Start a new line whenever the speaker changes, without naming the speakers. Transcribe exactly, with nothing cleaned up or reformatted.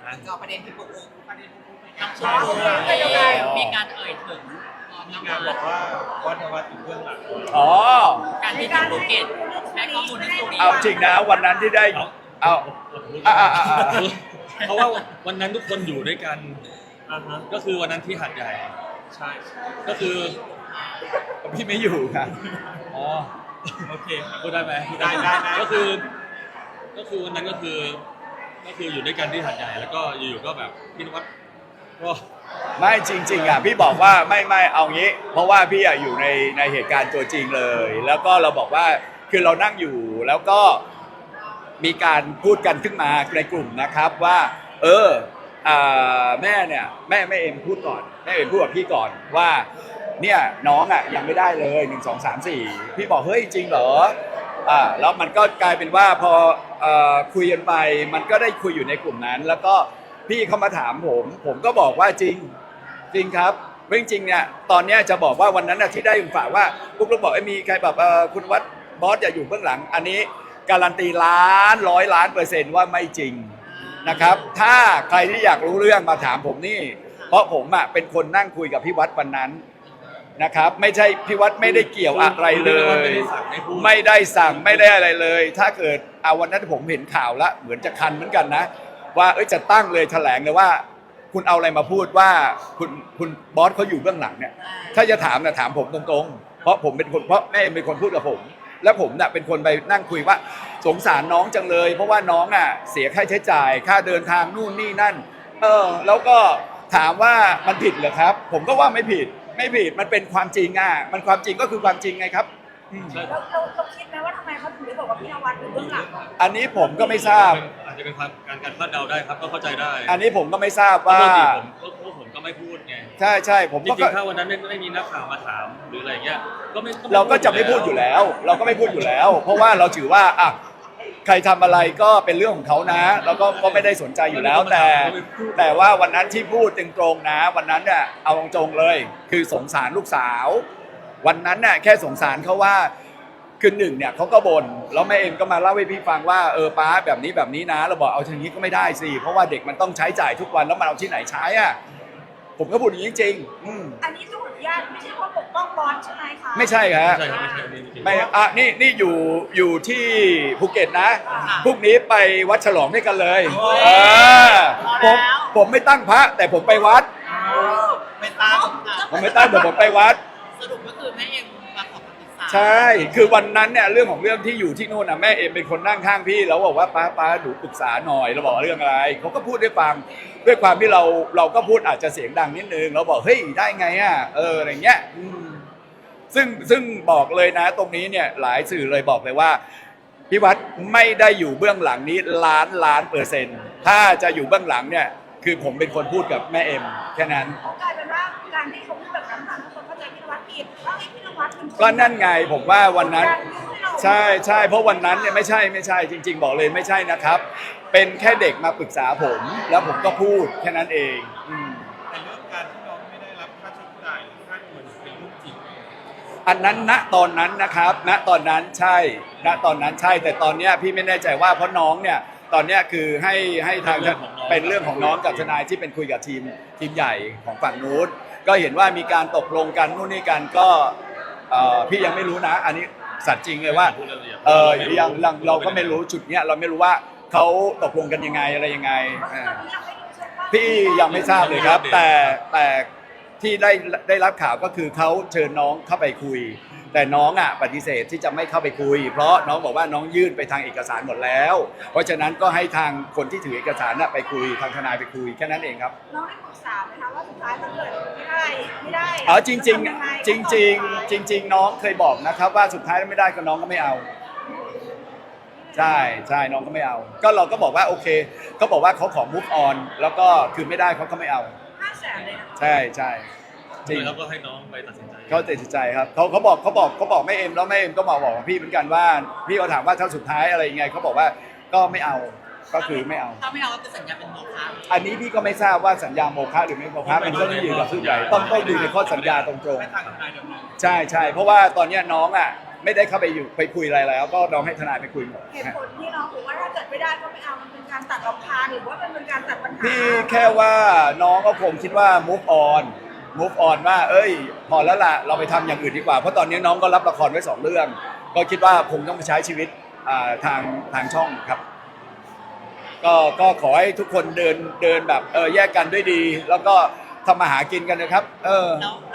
ก็ประเด็นที่ปุ๊กประเด็นที่ปุ๊ก
น้องชายมีการเอ่ยถึง
มีการบอกว่าวัดวัดอยู่เบื้องหลัง
อ๋อ
การที่ที่ภูเก็ตให้ข้อมูลในส่วนนี้
เอาจริงนะวันนั้นที่ได้เอาอ่าอ่าอ่า
เพราะว่าวันนั้นทุกคนอยู่ด้วยกัน
อ่าฮะ
ก็คือวันนั้นที่หัดใหญ่
ใช่
ก็คือ
พี่ไม่อยู่ครับ
อ๋อ
โอเค
พูดได้ไหม
ได้ได้ได้
ก็คือ ก็คือวันนั้นก็คือ ก็คืออยู่ด้วยกันที่หัดใหญ่ แล้วก็อยู่ๆก็แบบพี่นวัดก็
ไม่จริงๆอ่ะพี่บอกว่าไม่ไม่เอางี้ เพราะว่าพี่อ่ะอยู่ในในเหตุการณ์ตัวจริงเลย แล้วก็เราบอกว่าคือเรานั่งอยู่แล้วก็มีการพูดกันขึ้นมาในกลุ่มนะครับว่า เอออ่าแม่เนี่ยแม่แม่เอ็มพูดก่อนแม่เอ็มพูดกับพี่ก่อนว่าเนี่ยน้องอ่ะยังไม่ได้เลยหนึ่งสองสามสี่พี่บอกเฮ้ยจริงเหรออ่าแล้วมันก็กลายเป็นว่าพอเอ่อคุยกันไปมันก็ได้คุยอยู่ในกลุ่มนั้น แล้วก็พี่เขามาถามผม ผมก็บอกว่าจริงจริงครับจริงๆเนี่ยตอนเนี้ยจะบอกว่าวันนั้นน่ะที่ได้ฝากว่าปุ๊กลุกบอกไอ้มีใครแบบเอ่อคุณวัดบอสอย่าอยู่เบื้องหลังอันนี้การันตีล้านร้อยล้านเปอร์เซ็นต์ว่าไม่จริงนะครับถ้าใครที่อยากรู้เรื่องมาถามผมนี่เพราะผมอ่ะเป็นคนนั่งคุยกับพี่วัดวันนั้นนะครับไม่ใช่พี่วัดไม่ได้เกี่ยวอะไรเลย ไม่ได้สั่งไม่ได้อะไรเลย ถ้าเกิดเอาวันนั้นผมเห็นข่าวละเหมือนจะคันเหมือนกันนะว่าเอ้ยจะตั้งเลยแถลงเลยว่าคุณเอาอะไรมาพูดว่าคุณคุณบอสเขาอยู่เบื้องหลังเนี่ยถ้าจะถามนะถามผมตรงๆเพราะผมเป็นคนเพราะแม่เป็นคนพูดกับผมแล้วผมเนี่ยเป็นคนไปนั่งคุยว่าสงสารน้องจังเลยเพราะว่าน้องอ่ะเสียค่าใช้จ่ายค่าเดินทางนู่นนี่นั่นเออแล้วก็ถามว่ามันผิดเหรอครับผมก็ว่าไม่ผิดไม่ผิดมันเป็นความจริงอ่ะมันความจริงก็คือความจริงไงครับ
ใช่
เราเราเราคิดไหมว่าทำไมเขาถึงได้บอกว่าพี่นวัดอยู่เบื้องหลัง
อันนี้ผมก็ไม่ทราบ
อาจจะเป็นความการการคาดเดาได้ครับ ก็เข้าใจได้
อันนี้ผมก็ไม่ทราบว่า
ปกติผมก็พวกผมก็ไม่พูดไง
ใช่ใช่ผม
จ
ก็
ริงๆถ้าวันนั้นไม่ไม่มีนักข่าวมาถามหรืออะไรเงี้ย ก็ไม่
เราก็จะไม่พูดอยู่แล้ว เราก็ไม่พูดอยู่แล้ว เพราะว่าเราถือว่าอ่ะใครทำอะไรก็เป็นเรื่องของเขานะแล้วก็ก็ไม่ได้สนใจอยู่แล้ว แต่ แต่ว่าวันนั้นที่พูดตรงๆนะ วันนั้นเนี่ยเอาตรงๆเลย คือสงสารลูกสาว วันนั้นเนี่ยแค่สงสารเขาว่าคือหนึ่งเนี่ยเขาก็บ่นแล้วแม่เอ็มก็มาเล่าให้พี่ฟังว่าเออป้าแบบนี้แบบนี้นะเราบอกเอาทีนี้ก็ไม่ได้สิเพราะว่าเด็กมันต้องใช้จ่ายทุกวันแล้วมันเอาที่ไหนใช้อ่ะผมก็พูดอย่างนี้จริงๆอืม
อันนี้ต้องขออนุญาตไม่ใช่ว่าปกป้องบอสใช่ไหมคะ
ไม่ใช่ครับ
ไม่ใช่ครับไม่ใช่ไม่ใช่
ไม่อ่ะนี่นี่อยู่อยู่ที่ภูเก็ตนะพรุ่งนี้ไปวัดฉลองด้วยกันเลยเออผมผมไม่ตั้งพระแต่ผมไปวัด
ไม่ตั้ง
ผมไม่ตั้งแต่ผมไปวัด
สรุปก็คือแม่เอ็มมาขอคำปรึกษา
ใช่ คือวันนั้นเนี่ยเรื่องของเรื่องที่อยู่ที่นู่นนะแม่เอ็มเป็นคนนั่งข้างพี่แล้วบอกว่าป้าป้าหนูปรึกษาหน่อยเราบอกเรื่องอะไรเขาก็พูดด้วยฟังด้วยความที่เราเราก็พูดอาจจะเสียงดังนิดนึงเราบอกเฮ้ยได้ไงอ่ะเอออะไรเงี้ยอืมซึ่งซึ่งบอกเลยนะตรงนี้เนี่ยหลายสื่อเลยบอกเลยว่าพี่วัดไม่ได้อยู่เบื้องหลังนี้ล้านล้านเปอร์เซ็นต์ถ้าจะอยู่เบื้องหลังเนี่ยคือผมเป็นคนพูดกับแม่เอ็มแค่นั้น
กลายเป็นว่าการที่เขาพูดแบบนั้นทำให้คนเข้าใจพี่นวัดผิดว่าไอ้พี่นวัดเป็นคน
ก็นั่นไงผมว่าวันนั้นใช่ใช่เพราะวันนั้นเนี่ยไม่ใช่ไม่ใช่จริง ๆ บอกเลยไม่ใช่นะครับ เป็นแค่เด็กมาปรึกษาผม แล้วผมก็พูดแค่นั้นเองอืม
แต่เรื่องการที่น้องไม่ได้รับค่าใช้จ่ายหรือค่าเงินเป็นเรื่องจริง
อันนั้นณตอนนั้นนะครับ ณตอนนั้นใช่ ณตอนนั้นใช่ แต่ตอนเนี้ยพี่ไม่แน่ใจว่าเพราะน้องเนี่ยตอนเนี้ยคือให้ให้ทางเป็นเรื่องของน้องกับทนายที่เป็นคุยกับทีมทีมใหญ่ของฝั่งนู้นก็เห็นว่ามีการตกลงกันนู่นนี่กันก็เอ่อพี่ยังไม่รู้นะ อันนี้สัตย์จริงเลยว่าเออยังเราเราก็ไม่รู้จุดเนี้ยเราไม่รู้ว่าเขาตกลงกันยังไงอะไรยังไงอ่า
ตอนนี้ยังไม่รู้ใช่ปะ
พี่ยังไม่ทราบเลยครับ แต่แต่ที่ได้ได้รับข่าวก็คือเขาเชิญน้องเข้าไปคุย แต่น้องอ่ะปฏิเสธที่จะไม่เข้าไปคุย เพราะน้องบอกว่าน้องยื่นไปทางเอกสารหมดแล้ว เพราะฉะนั้นก็ให้ทางคนที่ถือเอกสารน่ะไปคุยทางทนายไปคุยแค่นั้นเองครับ
น้องได้ปรึกษาไหมคะว่าสุดท้ายถ้าเกิดไม่ได้ไม่ได้
อ๋อจริงจริง
ทำยังไ
จริงจริงๆจริง ๆ น้องเคยบอกนะครับว่าสุดท้ายไม่ได้ก็น้องก็ไม่เอา ใช่ใช่น้องก็ไม่เอา ก็เราก็บอกว่าโอเคเขาบอกว่าเขาขอ move on แล้วก็คือไม่ได้เขาก็ไม่เอา
ห้าแสนเลยนะ
ใช่ใช่จริง
แล้วก็ให้น้องไปตัดสินใจ
เขาตัดสินใจครับเขาเขาบอกเขาบอกเขาบอกแม่เอ็มแล้วแม่เอ็มก็มาบอกกับพี่เหมือนกันว่าพี่เขาถามว่าถ้าสุดท้ายอะไรยังไงเขาบอกว่าก็ไม่เอาก็คือไม่เอา
ถ้าไม่เอาก็คือสัญญาเป็นโมฆะ
อันนี้พี่ก็ไม่ทราบว่าสัญญาโมฆะหรือไม่โมฆะมันก็ต้องอยู่กับผู้ใหญ่ต้องต้องดูในข้อสัญญาตรง
ไม่ต่างกับนายเดิมเลย
ๆใช่ใช่เพราะว่าตอนเนี้ยน้องอ่ะไม่ได้เข้าไปอยู่ไปคุยอะไรแล้ว ก็น้องให้ทนายไปคุยหมด
เหตุผลที่น้องบอกว่าถ้าเกิดไม่ได้ก็ไม่เอามันเป็นการตัดรำคาญหรือว่ามันเป็นการตัดปัญหา
พี่แค่ว่าน้องก็คงคิดว่า move on move on ว่า เอ้ย พอแล้วล่ะเราไปทำอย่างอื่นดีกว่า เพราะตอนนี้น้องก็รับละครไว้สองเรื่อง ก็คิดว่าคงต้องไปใช้ชีวิตอ่าทางทางช่องครับ ก็ก็ขอให้ทุกคนเดินเดินแบบเออแยกกันด้วยดี แล้วก็ทำมาหากินกันนะครับ เออ
แล้ว